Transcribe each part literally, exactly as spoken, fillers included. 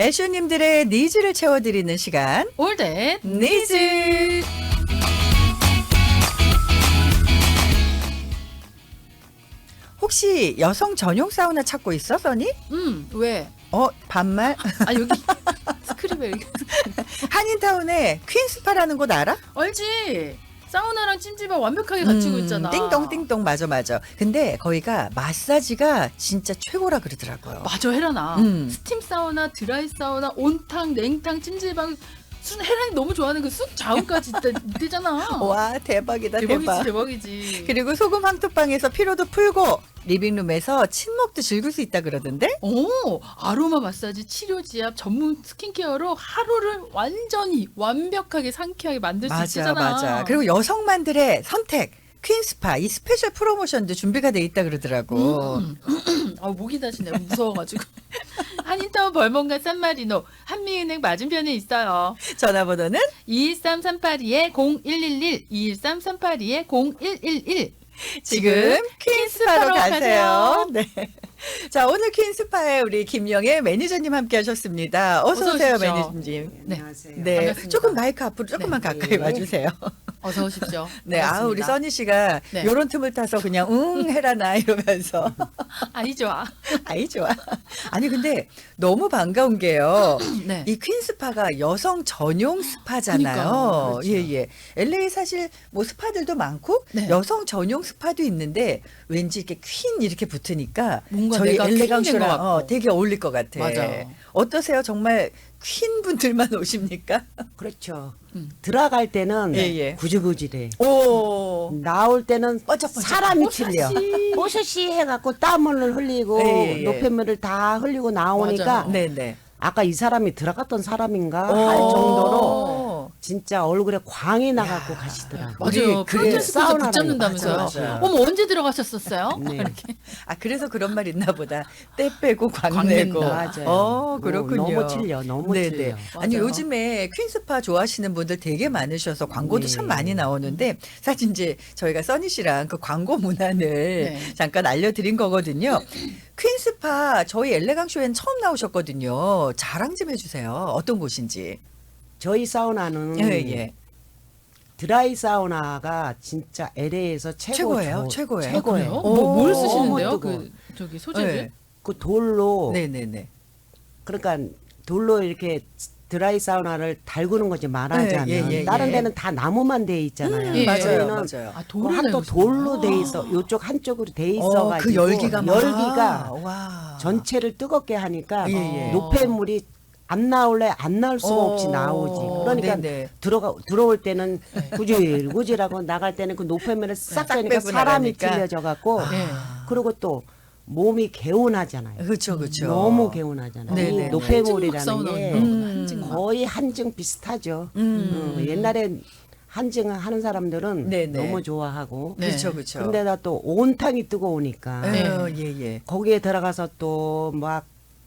애쇼님들의 니즈를 채워드리는 시간. 올댓 니즈. 혹시 여성 전용 사우나 찾고 있어, 써니? 음, 왜? 어, 반말? 아, 여기 스크립에 여기. 한인타운에 퀸스파라는 곳 알아? 알지? 사우나랑 찜질방 완벽하게 갖추고 음, 있잖아. 띵동 띵동 맞아 맞아. 근데 거기가 마사지가 진짜 최고라 그러더라고요. 맞아, 혜란아. 음. 스팀 사우나, 드라이 사우나, 온탕, 냉탕, 찜질방. 순 혜란이 너무 좋아하는 그 쑥 자운까지 있대잖아. 와 대박이다 대박이지, 대박. 대박이지. 그리고 소금 황토방에서 피로도 풀고 리빙룸에서 친목도 즐길 수 있다 그러던데? 오, 아로마 마사지, 치료 지압, 전문 스킨케어로 하루를 완전히 완벽하게 상쾌하게 만들 수 맞아 있잖아. 맞아. 그리고 여성만들의 선택 퀸스파 이 스페셜 프로모션도 준비가 돼 있다 그러더라고. 음. 아, 목이 다시네. 무서워가지고. 한인타운 벌몬과 산마리노 한미은행 맞은편에 있어요. 전화번호는 이일삼 삼팔이 공일일일 이일삼 삼팔이 공일일일. 지금 퀸스파로 퀸스파로 가세요. 가세요. 네. 자, 오늘 퀸스파에 우리 김영애 매니저님 함께 하셨습니다. 어서 어서 오세요, 오십시오. 매니저님. 네. 안녕하세요. 네. 반갑습니다. 조금 마이크 앞으로 조금만 네. 가까이 네. 와주세요. 어서 오십시오. 네. 아, 우리 반갑습니다. 써니 씨가 네. 요런 틈을 타서 그냥 응 해라나 이러면서. 아이 좋아. 아이, 좋아. 아니, 근데 너무 반가운 게요. 네. 이 퀸스파가 여성 전용 스파잖아요. 그러니까, 그렇죠. 예, 예. 엘에이 사실 뭐 스파들도 많고 네. 여성 전용 스파도 있는데 왠지 이렇게 퀸 이렇게 붙으니까 뭔가 저희 내가 퀸이 된것 엘레강쇼랑 같고. 어, 되게 어울릴 것 같아. 맞아. 어떠세요? 정말 퀸 분들만 오십니까? 그렇죠. 음. 들어갈 때는 예, 예. 구질구질해. 오. 나올 때는 번쩍번쩍. 사람이 틀려. 뽀샤시. 뽀샤시 해갖고 땀을 흘리고 예, 예, 예. 노폐물을 다 흘리고 나오니까 맞아. 네네. 아까 이 사람이 들어갔던 사람인가 오. 할 정도로 진짜 얼굴에 광이 나갖고 가시더라고요. 맞아요. 우리 그래, 프로테스트에서 사우나라는 붙잡는다면서요. 맞아, 맞아. 어머, 언제 들어가셨었어요? 네. 이렇게. 아, 그래서 그런 말 있나 보다. 때 빼고 광 광 내고. 낸다. 맞아요. 어, 뭐 그렇군요. 너무 틀려, 너무 네네. 틀려. 아니, 맞아요. 요즘에 퀸스파 좋아하시는 분들 되게 많으셔서 광고도 네. 참 많이 나오는데 사실 이제 저희가 써니 씨랑 그 광고 문안을 네. 잠깐 알려드린 거거든요. 퀸스파 저희 엘레강쇼엔 처음 나오셨거든요. 자랑 좀 해주세요. 어떤 곳인지. 저희 사우나는 예, 예. 드라이 사우나가 진짜 엘에이에서 최고 최고예요? 조- 최고예요? 최고예요. 그래요? 오, 뭐, 뭘 너무 쓰시는데요? 뜨거워. 그 저기 소재를? 네. 그 돌로 네네네. 그러니까 돌로 이렇게 드라이 사우나를 달구는 거지 말하자면 네, 예, 예, 다른 예. 데는 다 나무만 돼 있잖아요. 음, 예. 맞아요, 저희는 맞아요. 아, 그 돌을 한또 달고 돌로 있어요? 돼 있어. 이쪽 한쪽으로 돼 어, 있어가지고 그 열기가 막- 열기가 와. 전체를 뜨겁게 하니까 예, 예. 노폐물이 안 나올래 안 나올 수가 어, 없이 나오지. 그러니까 네네. 들어가 들어올 때는 구질구질하고 나갈 때는 그 노폐물을 싹 싹 빼니까 빼고 사람이 나가니까. 틀려져 갖고 네. 그리고 또 몸이 개운하잖아요. 그렇죠, 그렇죠. 너무 개운하잖아요. 네네. 이 노폐물이라는 한증 게 사우나 음. 한증 막. 거의 한증 비슷하죠. 음. 어, 옛날에 한증 하는 사람들은 네네. 너무 좋아하고 네. 그렇죠, 그렇죠. 근데다 또 온탕이 뜨거우니까 네. 어, 예, 예. 거기에 들어가서 또 막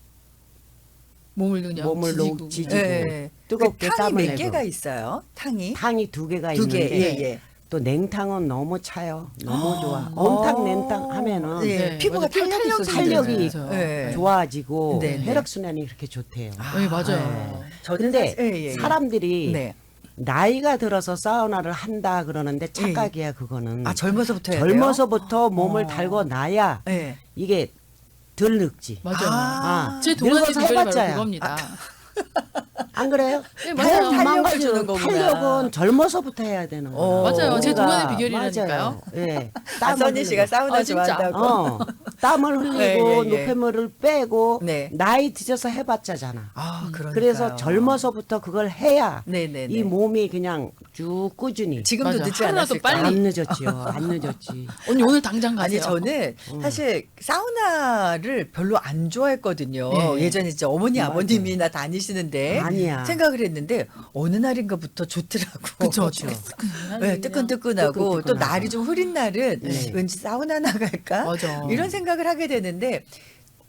몸을 그냥 몸을 지지고. 놓- 지지고. 예. 뜨겁게 그 탕이 땀을 몇 내고. 개가 있어요? 탕이? 탕이 두 개가 두 개, 있는데 예, 예. 또 냉탕은 너무 차요. 너무 좋아. 어. 온탕 냉탕 하면은 예, 네, 피부가 맞아. 피부 탄력이 탄력이 탄력이 있어요. 예. 좋아지고 네, 네. 혈액 순환이 그렇게 좋대요. 네, 맞아요. 저는 근데 사실- 예, 예, 예. 사람들이 네. 나이가 들어서 사우나를 한다 그러는데 착각이야 그거는. 아, 젊어서부터 해야 돼요? 젊어서부터 몸을 어. 달고 나야 예. 이게 덜 늙지. 맞아요. 아, 제 동안의 늙어서 비결이 바로 해봤자야. 그겁니다. 안 그래요? 네, 맞아요. 다 탄력을 주는 망가져. 거구나. 탄력은 젊어서부터 해야 되는 거야. 어. 맞아요. 제 뭔가- 동안의 비결이라니까요. 맞아요. 예. 아, 땀을 써니 씨가 흘리고. 사우나 아, 진짜? 좋아한다고. 어, 땀을 흘리고 예, 예, 예. 노폐물을 빼고 네. 나이 드셔서 해봤자잖아. 아, 그러니까요. 그래서 젊어서부터 그걸 해야 네네네. 이 몸이 그냥 쭉 꾸준히. 지금도 맞아. 늦지 하루라도 않았을까? 빨리. 안 늦었지요. 안 늦었지. 언니 오늘 당장 아니 가세요. 저는 사실 사우나를 별로 안 좋아했거든요. 네. 예전에 이제 어머니 맞아요. 아버님이나 다니시는데 아니야. 생각을 했는데 어느 날인가부터 좋더라고. 그쵸, 그쵸. 네, 뜨끈뜨끈하고 또 뜨끈뜨끈하고. 날이 좀 흐린 날은 네. 왠지 사우나 나갈까 맞아. 이런 생각을 하게 되는데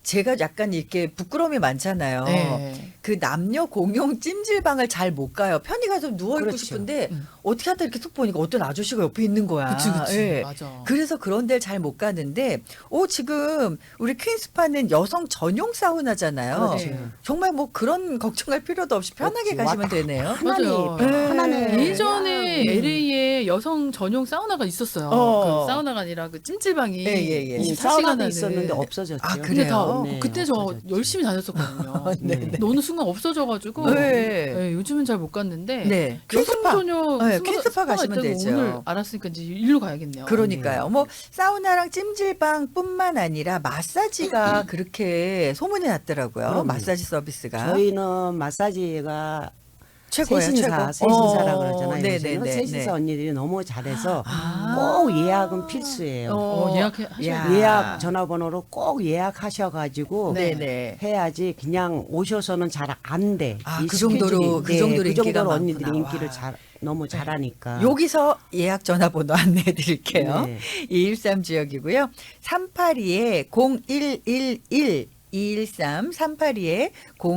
제가 약간 이렇게 부끄러움이 많잖아요. 네. 그 남녀 공용 찜질방을 잘 못 가요. 편히 가서 누워 있고 그렇죠. 싶은데 음. 어떻게 하다 이렇게 툭 보니까 어떤 아저씨가 옆에 있는 거야. 그치 그치 예. 맞아. 그래서 그런 데를 잘 못 가는데, 오, 지금 우리 퀸스파는 여성 전용 사우나잖아요. 그렇죠. 네. 정말 뭐 그런 걱정할 필요도 없이 편하게 그렇지. 가시면 왔다 되네요. 편안히 맞아요. 편안해. 예전에 음. 엘에이에 여성 전용 사우나가 있었어요. 어. 그 사우나가 아니라 그 찜질방이 예, 예, 예. 이 이십사 시간 사우나도 하는. 있었는데 없어졌죠. 아, 근데 그래요? 다 네, 그때 저 없어졌죠. 열심히 다녔었거든요. 네. 근데 어느 순간 없어져가지고 네. 네, 요즘은 잘 못 갔는데 네. 여성 퀸스파. 전용 네, 스파가- 퀸스파 스파가 가시면 있다고 되죠. 오늘 알았으니까 이제 일로 가야겠네요. 그러니까요. 뭐 사우나랑 찜질방뿐만 아니라 마사지가 그렇게 소문이 났더라고요. 그럼요. 마사지 서비스가 저희는 마사지가 최고예요. 세신사, 최고. 세신사라 어, 그러잖아요. 네네네. 요새는 세신사 언니들이 너무 잘해서 아. 꼭 예약은 필수예요. 어, 예약해 하셔야 야. 돼요. 예약 전화번호로 꼭 예약하셔가지고 네네. 해야지 그냥 오셔서는 잘 안 돼. 아, 이 그 정도로- 스케줄이. 그 네, 정도로 그 인기가 정도로 언니들이 많구나. 인기를 와. 잘 너무 잘하니까. 여기서 예약 전화번호 안내해 드릴게요. 네. 이일삼 지역이고요. 삼팔이에 공일일일 이일삼 삼팔이에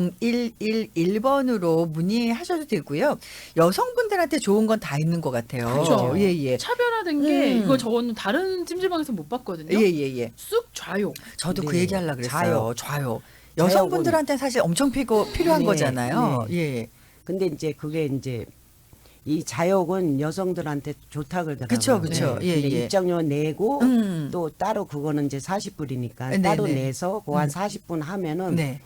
공일일일 번으로 문의하셔도 되고요. 여성분들한테 좋은 건 다 있는 것 같아요. 그렇죠. 예, 예. 차별화된 게 음. 이거 저는 다른 찜질방에서 못 봤거든요. 예, 예, 예. 쑥 좌욕. 저도 그 네. 얘기 하려고 그랬어요. 자요. 좌요. 여성분들한테는 사실 엄청 피고, 필요한 네, 거잖아요. 네. 예. 근데 이제 그게 이제 이 자욕은 여성들한테 좋다 그러더라고요. 그쵸, 그쵸. 예, 근데 예. 입장료 내고 음. 또 따로 그거는 이제 사십 불이니까 네, 따로 네. 내서 그 한 음. 사십 분 하면은 네.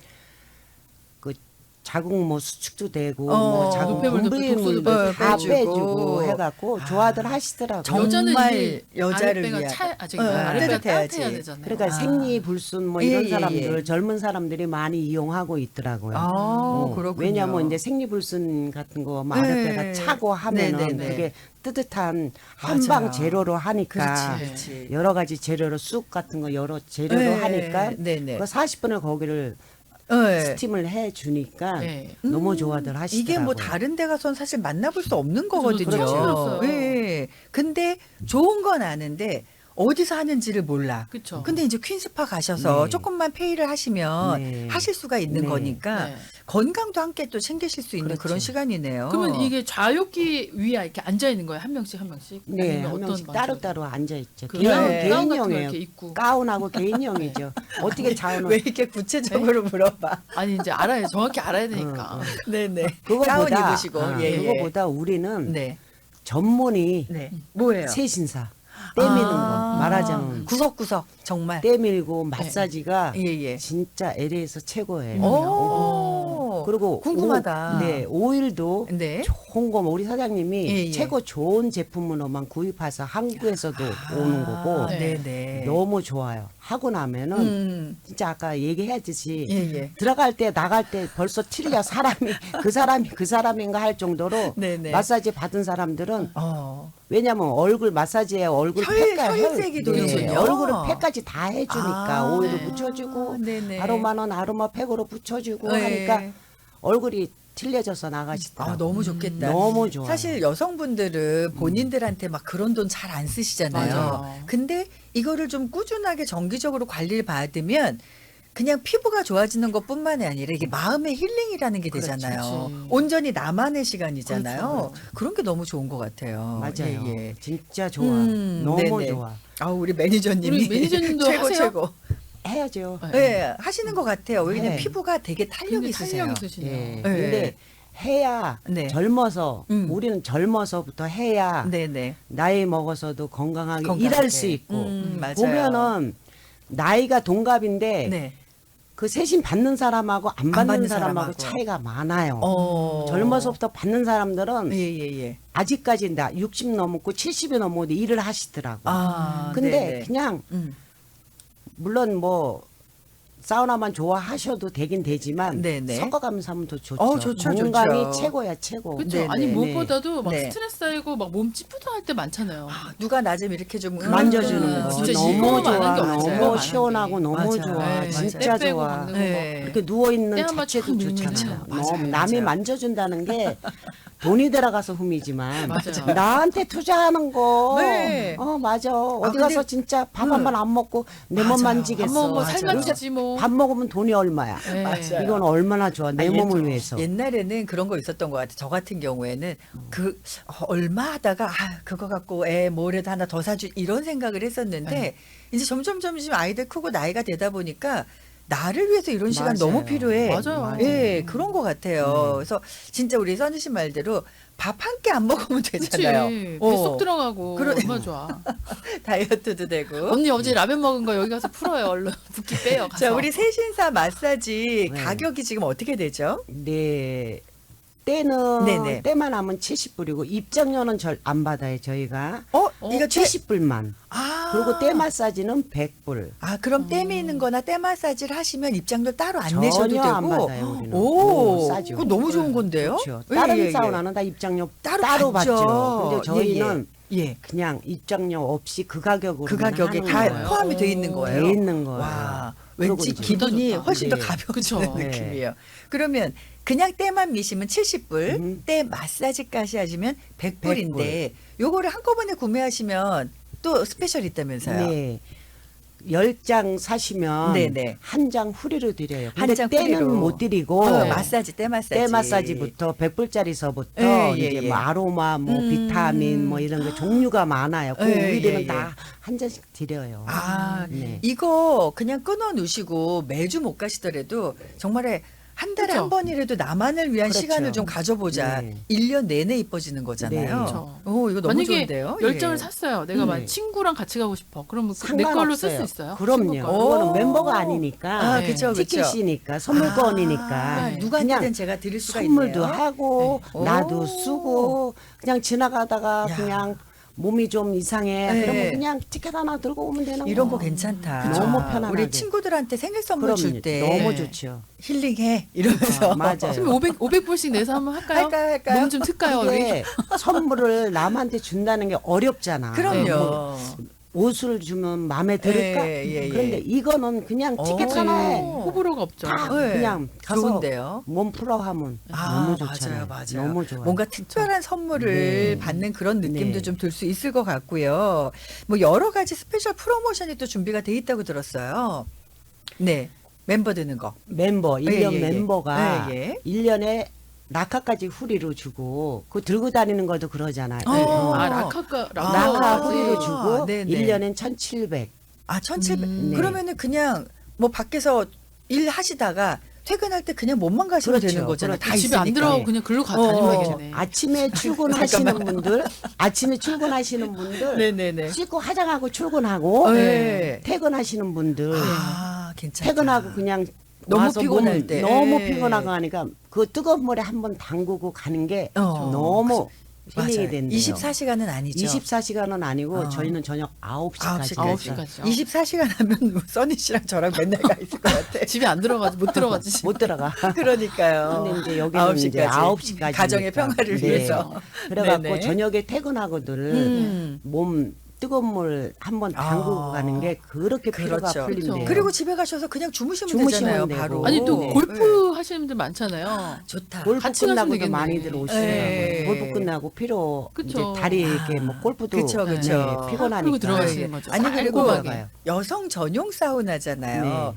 그 자궁 뭐 수축도 되고 어. 뭐 자궁 노폐물도 분비물도 빼주고. 다 빼주고. 빼주고 해갖고 아. 좋아들 하시더라고요. 정- 여자는 정말 이게 여자를 아랫배가 위한- 차, 아, 저기 어, 아랫배가 따뜻해야지. 따뜻해야 되잖아요. 그러니까 아. 생리불순 뭐 예, 이런 예, 사람들 예. 젊은 사람들이 많이 이용하고 있더라고요. 아, 어, 그렇군요. 왜냐하면 이제 생리불순 같은 거 뭐 네. 아랫배가 차고 하면은 네네네. 그게 뜨뜻한 맞아요. 한방 재료로 하니까 그렇지, 그렇지. 여러 가지 재료로 쑥 같은 거 여러 재료로 네, 하니까 네네. 그 사십 분을 거기를 네. 스팀을 해 주니까 네. 너무 좋아들 하시더라고요. 이게 뭐 다른 데 가서는 사실 만나볼 수 없는 그죠, 거거든요. 그렇죠. 그렇죠. 예. 근데 좋은 건 아는데 어디서 하는지를 몰라. 그쵸. 근데 이제 퀸스파 가셔서 네. 조금만 페이를 하시면 네. 하실 수가 있는 네. 거니까 네. 건강도 함께 또 챙기실 수 있는 그렇죠. 그런 시간이네요. 그러면 이게 좌욕기 위에 이렇게 앉아 있는 거예요? 한 명씩 한 명씩? 네, 아니면 한 어떤 명씩 방식으로? 따로따로 앉아 있죠. 그 개인, 가운- 가운 같은 거 개인형이에요. 이렇게 입고. 가운하고 개인형이죠. 어떻게 자원을 왜 이렇게 구체적으로 물어봐? 아니 이제 알아야 정확히 알아야 되니까. 어, 어. 네네. 그거보다 가운 입으시고. 아, 예, 예. 그거보다 우리는 네. 전문이 네. 뭐예요? 세신사 때미는 아, 거 말하자면 구석구석 정말. 때밀고 마사지가 예, 예. 진짜 엘에이에서 최고예요. 오. 그리고 궁금하다. 오, 네 오일도 네. 좋은 거 우리 사장님이 예, 예. 최고 좋은 제품으로만 구입해서 한국에서도 오는 거고 네, 네. 네. 너무 좋아요. 하고 나면은 음. 진짜 아까 얘기했듯이 예, 예. 들어갈 때 나갈 때 벌써 틀려 사람이 그 사람이 그 사람인가 할 정도로 네네. 마사지 받은 사람들은 어. 왜냐면 얼굴 마사지에 얼굴 혈- 팩까 혈색이 도는군요. 얼굴을 팩까지 다 해주니까 아, 오일도 네. 붙여주고 네네. 아로마는 아로마 팩으로 붙여주고 네. 하니까 얼굴이 틀려져서 나가시더라고요. 아, 너무 좋겠다. 너무 좋아요. 사실 여성분들은 본인들한테 막 그런 돈 잘 안 쓰시잖아요. 맞아요. 근데 이거를 좀 꾸준하게 정기적으로 관리를 받으면 그냥 피부가 좋아지는 것뿐만이 아니라 이게 마음의 힐링이라는 게 그렇죠. 되잖아요. 그렇지. 온전히 나만의 시간이잖아요. 그렇죠. 그런게 너무 좋은 것 같아요. 맞아요. 예, 예. 진짜 좋아. 음, 너무 네네. 좋아. 아, 우리 매니저님이 우리 매니저님도 최고 하세요? 최고. 해야죠. 네. 네, 하시는 것 같아요. 왜냐면 네. 피부가 되게 탄력이 근데 있으세요. 탄력 있으시네요. 예. 네. 근데 해야 네. 젊어서 음. 우리는 젊어서부터 해야 네네. 나이 먹어서도 건강하게, 건강하게. 일할 수 있고 음, 맞아요. 보면은 나이가 동갑인데 네. 그 세신 받는 사람하고 안 받는, 받는 사람하고, 사람하고. 차이가 많아요. 어. 젊어서부터 받는 사람들은 예예예. 아직까지 나 육십 넘었고 칠십이 넘어도 일을 하시더라고. 아, 근데 네네. 그냥 음. 물론 뭐 사우나만 좋아하셔도 되긴 되지만 네네. 섞어가면서 하면 더 좋죠. 어, 좋죠, 건강이 좋죠. 최고야 최고. 그렇죠. 네, 아니 네, 무엇보다도 막 네. 스트레스 쌓이고 막 몸 찌뿌둥할 때 많잖아요. 아, 누가 나 좀 이렇게 좀 만져주는 음, 거 진짜 너무 이거만 좋아. 하는 게 너무 없어요, 많은 시원하고 게. 너무 맞아요. 좋아. 네, 진짜 때 빼고 좋아. 막는 거 네. 이렇게 누워 있는 때 한번 자체도 촥 누르면은 좋잖아요. 맞아요, 너무 남이 맞아요. 만져준다는 게 돈이 들어가서 흠이지만 맞아요. 나한테 투자하는 거. 네. 어 맞아. 어디 근데- 가서 진짜 밥 응. 한 번 안 먹고 내 몸 맞아요. 만지겠어. 밥 먹은 거 맞아요. 살만 찌지 뭐. 밥 먹으면 돈이 얼마야. 네. 맞아요. 이건 얼마나 좋아. 내 아, 몸을 옛- 위해서. 옛날에는 그런 거 있었던 것 같아요. 저 같은 경우에는 그 어, 얼마 하다가 아 그거 갖고 애 뭐래도 하나 더 사주 이런 생각을 했었는데 네. 이제 점점 점점 아이들 크고 나이가 되다 보니까 나를 위해서 이런 시간 맞아요. 너무 필요해. 맞아요. 예, 그런 것 같아요. 네. 그래서 진짜 우리 선희 씨 말대로 밥 한 끼 안 먹으면 그치. 되잖아요. 뱃속 어, 들어가고 그러- 얼마나 좋아. 다이어트도 되고. 언니 어제 라면 먹은 거 여기 가서 풀어요. 얼른 붓기 빼요. 가서. 자, 우리 세신사 마사지 네. 가격이 지금 어떻게 되죠? 네. 때는 네네. 때만 하면 칠십 불이고 입장료는 절 안 받아요 저희가. 어, 어, 이거 제- 칠십 불만. 아. 그리고 때 마사지는 백 불. 아, 그럼 때 미는 거나 때 마사지를 하시면 입장료 따로 안 내셔도 전혀 되고. 안 받아요 우리는. 오, 오, 싸죠. 그거 너무 좋은 건데요? 그렇죠. 예, 다른 예, 예. 사우나는 다 입장료 따로, 따로, 받죠. 받죠. 근데 저희는 예, 예. 그냥 입장료 없이 그 가격으로 그 가격에 하는 다 거예요. 포함이 돼 있는 오. 거예요. 돼 있는 거예요. 와, 그러고 왠지 이제 기분이 좋다. 훨씬 더 네. 가벼워지는 그쵸. 느낌이에요. 그러면 그냥 때만 미시면 칠십 불, 음. 때 마사지까지 하시면 백 불인데 요거를 한꺼번에 구매하시면 또 스페셜 있다면서요. 네. 열 장 사시면 네네. 한 장 후리로 드려요. 한 근데 장 때는 후리로. 못 드리고 어, 마사지, 때 마사지. 때 마사지부터 백 불짜리서부터 예, 예, 이제 예. 뭐 아로마, 뭐 음. 비타민 뭐 이런 게 종류가 많아요. 그 예, 우리들은 예, 예. 다 한 잔씩 드려요. 아, 네. 이거 그냥 끊어 놓으시고 매주 못 가시더라도 정말에 한 달에 그쵸. 한 번이라도 나만을 위한 그렇죠. 시간을 좀 가져보자. 네. 일 년 내내 이뻐지는 거잖아요. 네. 그쵸. 오, 이거 너무 만약에 좋은데요? 열 장을 예. 샀어요. 내가 음. 만 친구랑 같이 가고 싶어. 그러면 그 내 걸로 쓸 수 있어요? 그럼요. 친구 거. 오. 그거는 멤버가 아니니까 아, 네. 그쵸, 그쵸. 티켓이니까 선물권이니까 아, 네. 누구한테든 그냥 제가 드릴 수가 선물도 있네요. 하고 네. 나도 오. 쓰고 그냥 지나가다가 야. 그냥 몸이 좀 이상해. 네. 그러면 그냥 티켓 하나 들고 오면 되는 이런 거 거. 괜찮다. 그쵸. 너무 편안하게. 우리 친구들한테 생일 선물 그럼 줄 때 너무 네. 좋죠. 힐링해 이러면서 아, 맞아요. 선생님 오백, 오백 불씩 내서 한번 할까요? 할까요, 할까요? 몸 좀 틀까요? 우리? 이게 선물을 남한테 준다는 게 어렵잖아. 그럼요. 뭐 옷을 주면 마음에 들을까? 예, 예, 예. 그런데 이거는 그냥 티켓 오. 하나에 호불호가 없죠. 다 네. 그냥 가서 좋은데요. 몸 풀어 하면 아, 너무 좋잖아요. 맞아요, 맞아요. 너무 좋아요. 뭔가 특별한 선물을 네. 받는 그런 느낌도 네. 좀 들 수 있을 것 같고요. 뭐 여러 가지 스페셜 프로모션이 또 준비가 돼 있다고 들었어요. 네, 멤버 드는 거. 멤버 일 년 예, 예, 예. 멤버가 예, 예. 일 년에 낙하까지 후리로 주고 그 들고 다니는 것도 그러잖아요. 어. 어. 아, 라카가, 아, 낙하 아, 후리로 주고 네네. 일 년엔 천칠백. 아, 천칠백. 음, 네. 그러면은 그냥 뭐 밖에서 일 하시다가 퇴근할 때 그냥 몸만 가시면 그렇죠. 되는 거잖아요. 그렇죠. 다 집에 안 있으니까. 들어가고 그냥 글로 가 어. 다니면 되네. 아침에 출근하시는 분들, 아침에 출근하시는 분들, 네네네. 씻고 화장하고 출근하고 네. 퇴근하시는 분들, 아, 괜찮다. 퇴근하고 그냥 너무 와서 피곤할 몸 때. 너무 예. 피곤하고 하니까 그 뜨거운 물에 한번 담그고 가는 게 어. 너무 힐링이 맞아요. 된대요. 이십사 시간은 아니죠. 이십사 시간은 아니고 어. 저희는 저녁 아홉 시까지. 아홉 아홉 시까지. 시까지요. 이십사 시간 하면 뭐 써니 씨랑 저랑 맨날 가 있을 것 같아. 집에 안 들어가지 못 들어가지. 못 들어가. 그러니까요. 근데 이제 여기는 아홉 이제 시까지. 아홉 시까지. 가정의 평화를 위해서. 그래갖고 네네. 저녁에 퇴근하고들 음. 몸 뜨거운 물 한번 담그고 아. 가는 게 그렇게 피로가 그렇죠. 풀린대요. 그리고 집에 가셔서 그냥 주무시면, 주무시면 되잖아요. 되고. 바로. 아니 또 네. 골프 하시는 분들 많잖아요. 좋다. 골프 같이 가시면 끝나고도 되겠네. 많이들 오시더라고요. 네. 골프 끝나고 피로 그쵸. 이제 다리 이렇게 뭐 골프도 그쵸, 그쵸. 네, 피곤하니까. 그리고 들어가시는 거죠. 아니 그리고 깔끔하게. 여성 전용 사우나잖아요. 네.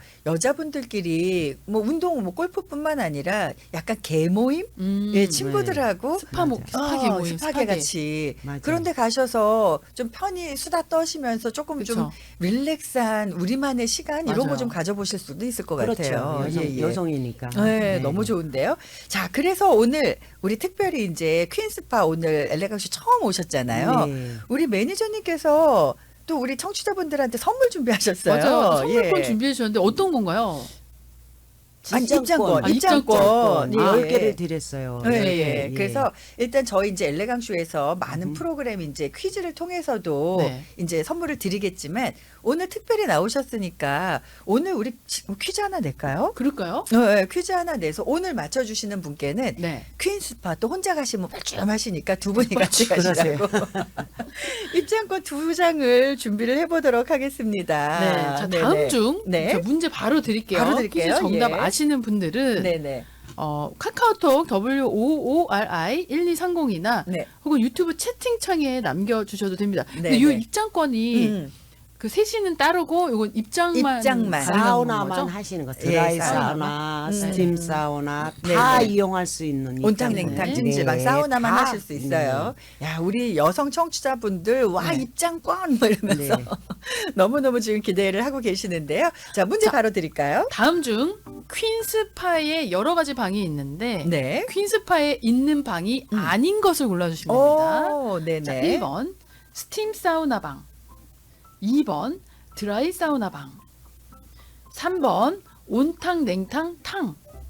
여자분들끼리 뭐 운동 뭐 골프뿐만 아니라 약간 개모임, 음, 예, 친구들하고 스파 모 맞아요. 스파게 어, 모임 스파게 스파게. 같이 맞아요. 그런데 가셔서 좀 편히 수다 떠시면서 조금 좀 그쵸. 릴렉스한 우리만의 시간 이런 거 맞아요. 좀 가져보실 수도 있을 것 그렇죠. 같아요. 여성, 예, 예. 여성이니까. 네, 너무 좋은데요. 자, 그래서 오늘 우리 특별히 이제 퀸스파 오늘 엘레강쇼 처음 오셨잖아요. 네. 우리 매니저님께서 또 우리 청취자분들한테 선물 준비하셨어요. 맞아요. 선물권 예. 준비해 주셨는데 어떤 건가요? 아니, 입장권, 아, 입장권. 입장권. 예. 열 개를 드렸어요. 예, 열 예. 개. 그래서 일단 저희 이제 엘레강쇼에서 많은 음. 프로그램 이제 퀴즈를 통해서도 네. 이제 선물을 드리겠지만 오늘 특별히 나오셨으니까 오늘 우리 지- 퀴즈 하나 낼까요? 그럴까요? 어, 예, 퀴즈 하나 내서 오늘 맞춰주시는 분께는 네. 퀸스파 또 혼자 가시면 뻘쭘하시니까 두 분이 같이 가시라고 입장권 두 장을 준비를 해보도록 하겠습니다. 네. 자, 다음 네네. 중 네. 자, 문제 바로 드릴게요. 바로 드릴게요. 퀴즈 정답 예. 아시는 분들은 네네. 어, 카카오톡 더블유 오 오 알 아이 일이삼공이나 네. 혹은 유튜브 채팅창에 남겨주셔도 됩니다. 근데 네, 이 네. 입장권이 음. 그 셋이는 따르고 이건 입장만 입장만. 가능한 사우나만 거죠? 하시는 거. 예, 드라이 사우나. 사우나, 음. 스팀 사우나 네, 다 네. 이용할 수 있는 온탕, 입장이에요. 냉탕, 네. 찜질방, 네, 사우나만 다. 하실 수 있어요. 야, 우리 여성 청취자분들, 와, 네. 입장권! 뭐 이러면서 네. 너무너무 지금 기대를 하고 계시는데요. 자, 문제 자, 바로 드릴까요? 다음 중 퀸스파에 여러 가지 방이 있는데 네. 퀸스파에 있는 방이 음. 아닌 것을 골라주시면 됩니다. 오, 네네. 자, 일 번 스팀 사우나 방, 이 번 드라이 사우나 방, 삼 번 온탕 냉탕 탕,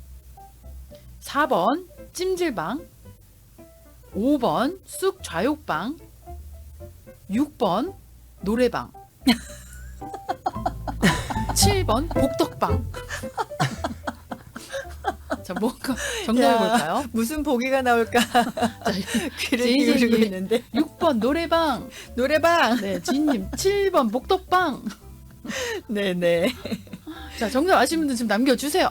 사 번 찜질방, 오 번 쑥 좌욕방, 육 번 노래방, 칠 번 복덕방. 자, 뭔가 정답을 야, 볼까요? 무슨 보기가 나올까? 귀를 제이제이님. 기울이고 있는데. 육 번 노래방, 노래방! 네, 지인님 칠 번 복덕방. 네네. 자, 정답 아시는 분들 지금 남겨주세요.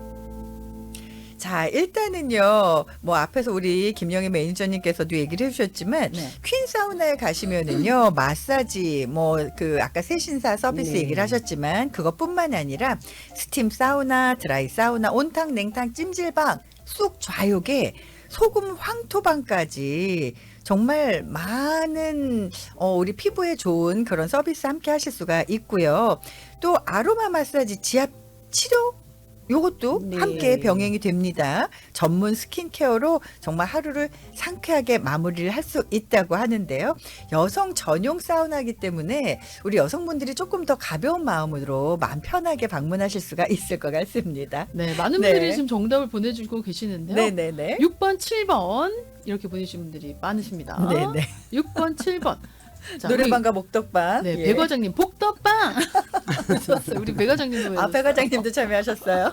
자, 일단은요, 뭐 앞에서 우리 김영희 매니저님께서도 얘기를 해주셨지만, 네. 퀸 사우나에 가시면은요, 마사지, 뭐, 그, 아까 세신사 서비스 네. 얘기를 하셨지만, 그것뿐만 아니라, 스팀 사우나, 드라이 사우나, 온탕, 냉탕, 찜질방, 쑥 좌욕에 소금 황토방까지 정말 많은, 어, 우리 피부에 좋은 그런 서비스 함께 하실 수가 있고요. 또, 아로마 마사지, 지압 치료? 요것도 네. 함께 병행이 됩니다. 전문 스킨케어로 정말 하루를 상쾌하게 마무리를 할 수 있다고 하는데요. 여성 전용 사우나이기 때문에 우리 여성분들이 조금 더 가벼운 마음으로 마음 편하게 방문하실 수가 있을 것 같습니다. 네, 많은 네. 분들이 지금 정답을 보내주고 계시는데요. 네네네. 육 번, 칠 번 이렇게 보내주신 분들이 많으십니다. 네네. 육 번, 칠 번. 자, 노래방과 목덕방. 우리, 네, 예. 배 과장님 복덕방. 좋았어요. 우리 배 과장님도 아, 배 과장님도 참여하셨어요?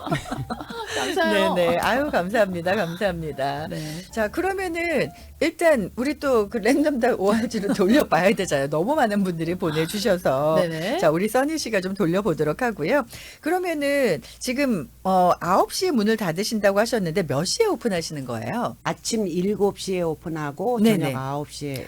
감사해요. 네네. 아유, 감사합니다. 감사합니다. 네. 자, 그러면은 일단 우리 또 그 랜덤다 오알지로 돌려봐야 되잖아요. 너무 많은 분들이 보내주셔서. 네네. 자, 우리 써니 씨가 좀 돌려보도록 하고요. 그러면은 지금 어 아홉 시에 문을 닫으신다고 하셨는데 몇 시에 오픈하시는 거예요? 아침 일곱 시에 오픈하고 네네. 저녁 아홉 시에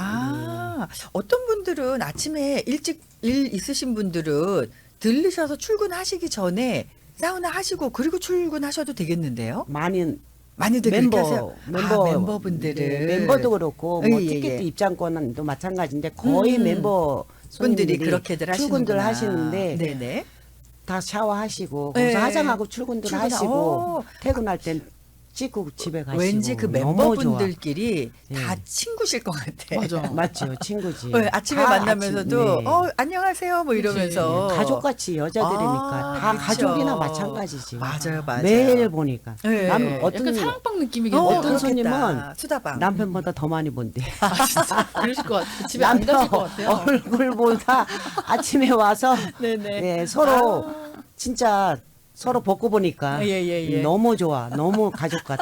아, 어떤 분들은 아침에 일찍 일 있으신 분들은 들르셔서 출근하시기 전에 사우나 하시고 그리고 출근하셔도 되겠는데요? 많이 많이들 그렇게 멤버 하세요. 멤버 아, 멤버분들은 네, 멤버도 그렇고 뭐 예, 예, 티켓 예. 입장권도 마찬가지인데 거의 음. 멤버 분들이 손님들이 그렇게들 하시는구나. 출근들 하시는데 네네. 다 샤워하시고 네. 거기서 화장하고 출근들 출근, 하시고 어. 퇴근할 땐 찍고 집에 가시고 왠지 그 너무 멤버분들끼리 좋아. 다 예. 친구실 것 같아. 맞아. 좋아. 맞죠 친구지 네, 아침에 다 만나면서도 아침, 네. 어 안녕하세요 뭐 이러면서 가족같이 여자들이니까 아, 다 그쵸. 가족이나 마찬가지지 맞아요, 맞아요. 매일 보니까 네. 남 어떤 약간 사랑방 느낌이겠네요. 어, 어떤 그렇겠다. 손님은 수다방. 남편보다 더 많이 본대. 아, 진짜 그러실 것 같아요. 집에 안 가실 것 같아요. 얼굴보다 아침에 와서 네네. 네, 서로 진짜 서로 벗고 보니까 예, 예, 예. 너무 좋아. 너무 가족 같아.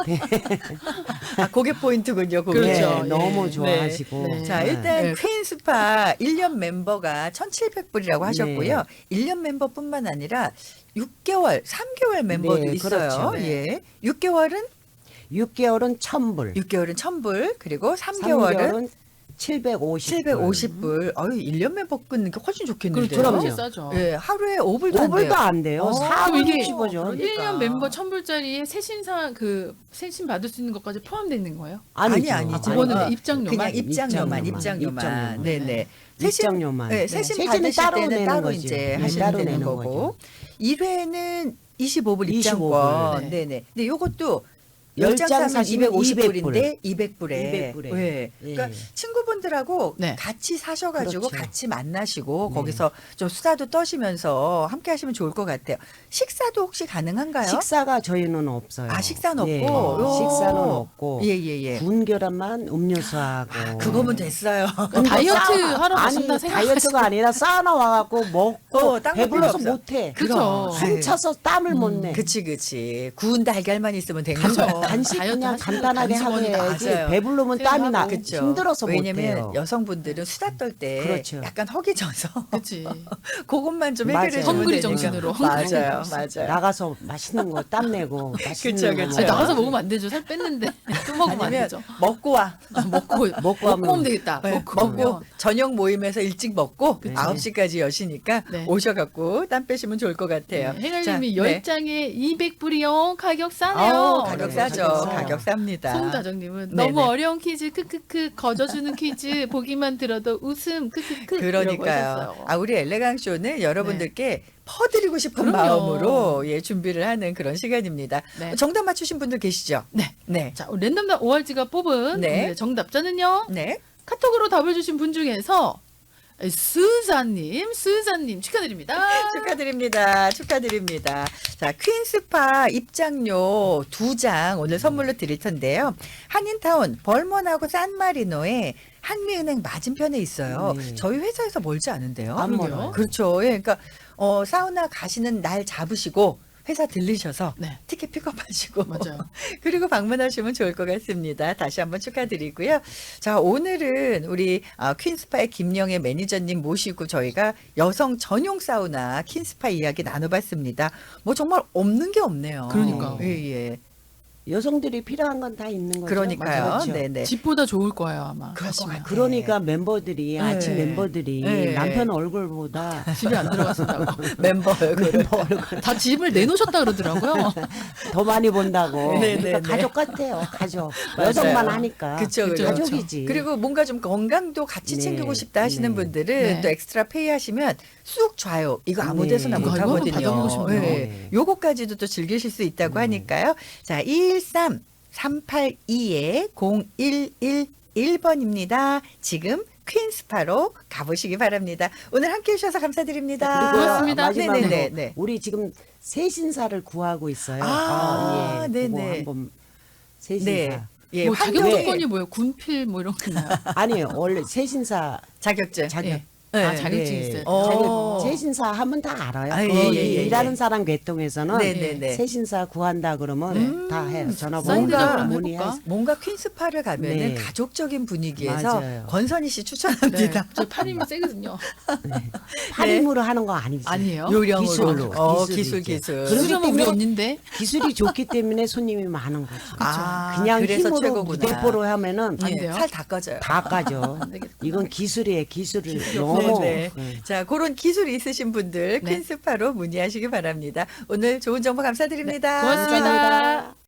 아, 그게 포인트군요. 그게. 그렇죠. 네, 예. 너무 좋아하시고. 네. 자, 네. 일단 네. 퀸 스파 일 년 멤버가 천칠백 불이라고 하셨고요. 네. 일 년 멤버뿐만 아니라 육 개월, 삼 개월 멤버도 네, 있어요. 그렇죠. 네. 예. 육 개월은 육 개월은 천 불. 육 개월은 천 불, 그리고 삼 삼 개월은 개월은 칠백오십 불. 칠백오십 불. 아유, 일 년 멤버 끊는 게 훨씬 좋겠는데요. 그렇죠. 그럼요. 싸죠. 예, 하루에 오 불도 오 안 돼요. 불도 안 돼요. 어, 사 그럼 이게 불이십오죠. 그러니까. 일 년 멤버 천 불짜리에 세신사 그 세신 받을 수 있는 것까지 포함되어 있는 거예요? 아니, 아니죠. 아, 그거는 어, 입장료만? 그냥 입장료만, 입장료만, 입장료만. 입장료만. 네네. 입장료만. 네, 네. 세신 세신은 받으실 따로 때는 내는 따로 거지. 이제 네, 하시면 따로 되는 내는 거고. 거죠. 일 회는 이십오 불 이십오 입장권. 불. 네. 네네. 근데 요것도 열 열 장 장 사면 사시면 이백오십 이백 불인데 이백 불에. 이백 불에. 네. 예. 그러니까 친구분들하고 네. 같이 사셔가지고 그렇죠. 같이 만나시고 네. 거기서 좀 수다도 떠시면서 함께 하시면 좋을 것 같아요. 식사도 혹시 가능한가요? 식사가 저희는 없어요. 아, 식사는 예, 없고. 요. 식사는 없고. 예, 예, 예. 군결함만 음료수하고. 아, 그거면 됐어요. 근데 다이어트 사우나- 하러 아니 가신다 생각하시고. 다이어트가 아니라 사우나 와갖고 먹고 어, 딴거 배불러서 필요 없어. 못해. 그죠. 숨 차서 땀을 못 내. 그치, 그치. 구운 달걀만 있으면 된 간, 거죠. 간식 다이어트 그냥 하시는 간단하게 하고 간식원이 해야지. 맞아요. 배부르면 땀이 나 그쵸. 힘들어서 못 왜냐면 해요. 여성분들은 수다 떨 때 그렇죠. 약간 허기져서 그렇지. 그것만 좀 맞아요. 해결해 주면 헝그리 되니까. 정신으로. 맞아요, 맞아요. 나가서 맛있는 거 땀 내고 맛있는 그쵸, 거 그쵸. 아니, 먹어야지. 나가서 먹으면 안 되죠. 살 뺐는데 또 먹으면 안 아니면 되죠. 먹고 와. 아, 먹고 먹고 하면- 오면 되겠다. 네, 먹고 먹고 오면. 저녁 모임에서 일찍 먹고 그치. 아홉 시까지 여시니까 네. 오셔갖고 땀 빼시면 좋을 것 같아요. 네, 해갈님이 자, 네. 열 장에 이백 불이요. 가격 싸네요. 아우, 가격 네, 싸죠. 가격 싸요. 가격 쌉니다. 송다정님은 네네. 너무 어려운 퀴즈 크크크 거저주는 퀴즈 보기만 들어도 웃음 크크크 이러고 그러니까요. 하셨어요. 아, 우리 엘레강 쇼는 여러분들께 퍼드리고 싶은 그럼요. 마음으로 예, 준비를 하는 그런 시간입니다. 네. 정답 맞추신 분들 계시죠? 네. 네. 자, 우리 랜덤다 오알지가 뽑은 네. 오늘의 정답자는요. 네. 카톡으로 답을 주신 분 중에서 스자님, 스자님 축하드립니다. 축하드립니다. 축하드립니다. 자, 퀸스파 입장료 두 장 오늘 선물로 드릴 텐데요. 한인타운 벌먼하고 산마리노에 한미은행 맞은편에 있어요. 네. 저희 회사에서 멀지 않은데요. 안 그러게요. 멀어요. 그렇죠. 예, 그러니까 어, 사우나 가시는 날 잡으시고 회사 들리셔서 네. 티켓 픽업하시고 맞아요. 그리고 방문하시면 좋을 것 같습니다. 다시 한번 축하드리고요. 자, 오늘은 우리 아, 퀸스파의 김영애 매니저님 모시고 저희가 여성 전용 사우나 퀸스파 이야기 나눠봤습니다. 뭐 정말 없는 게 없네요. 그러니까요. 예, 예. 여성들이 필요한 건 다 있는 거죠. 그러니까요. 그렇죠. 네네. 집보다 좋을 거예요 아마. 그럴 것 가시면. 같아요. 그러니까 멤버들이 아침 네. 멤버들이 네. 남편 얼굴보다 집에 안 들어가신다고. 멤버 얼굴을. 멤버 얼굴 다 집을 내놓으셨다 그러더라고요. 더 많이 본다고. 네, 네, 그러니까 네. 가족 같아요. 가족. 맞아요. 여성만 하니까. 그쵸, 그쵸. 가족이지. 그리고 뭔가 좀 건강도 같이 네. 챙기고 싶다 하시는 네. 분들은 네. 또 엑스트라 페이 하시면 쑥 좌요. 이거 아무 네. 데서나 못 이거 한번 하거든요. 받아보고 싶네요. 네. 요거까지도 또 즐기실 수 있다고 하니까요. 자, 이일삼 삼팔이 공일일일 번입니다. 지금 퀸스파로 가보시기 바랍니다. 오늘 함께 해주셔서 감사드립니다. 그리고 고맙습니다. 마지막으로 네네네. 네. 우리 지금 세신사를 구하고 있어요. 아, 예. 네네. 그거 한번 세신사. 네. 예, 뭐 환경- 자격 조건이 뭐예요? 군필 뭐 이런 거 있나요? 아니에요. 원래 세신사 자격증. 자격. 예. 네. 아 자격증 예. 있어요. 어. 자격 세신사 하면 다 알아요. 아, 예, 거기 예, 예, 예. 일하는 사람 계통에서는 네네네. 세신사 구한다 그러면 음, 다 해요. 전화번호 사인드나 뭔가 한번 문의해. 해볼까? 뭔가 퀸스파를 가면은 네. 가족적인 분위기에서 맞아요. 권선희 씨 네. 추천합니다. 저 팔임이 세거든요. 팔임으로 하는 거 아니지. 아니에요? 요령으로. 기술로. 어, 기술이 기술, 있죠. 기술. 그렇기 수정은 우리 때문에 언니인데. 기술이 좋기 때문에 손님이 많은 거죠. 아, 그냥 그래서 힘으로 최고구나. 무대포로 하면은 안 예, 돼요? 살 다 꺼져요. 다 까져. 안 되겠구나. 이건 기술이에요. 기술을 네, 너무. 네. 네. 자, 그런 기술이 있으신 분들 네. 퀸스파로 문의하시기 바랍니다. 오늘 좋은 정보 감사드립니다. 고맙습니다. 감사합니다.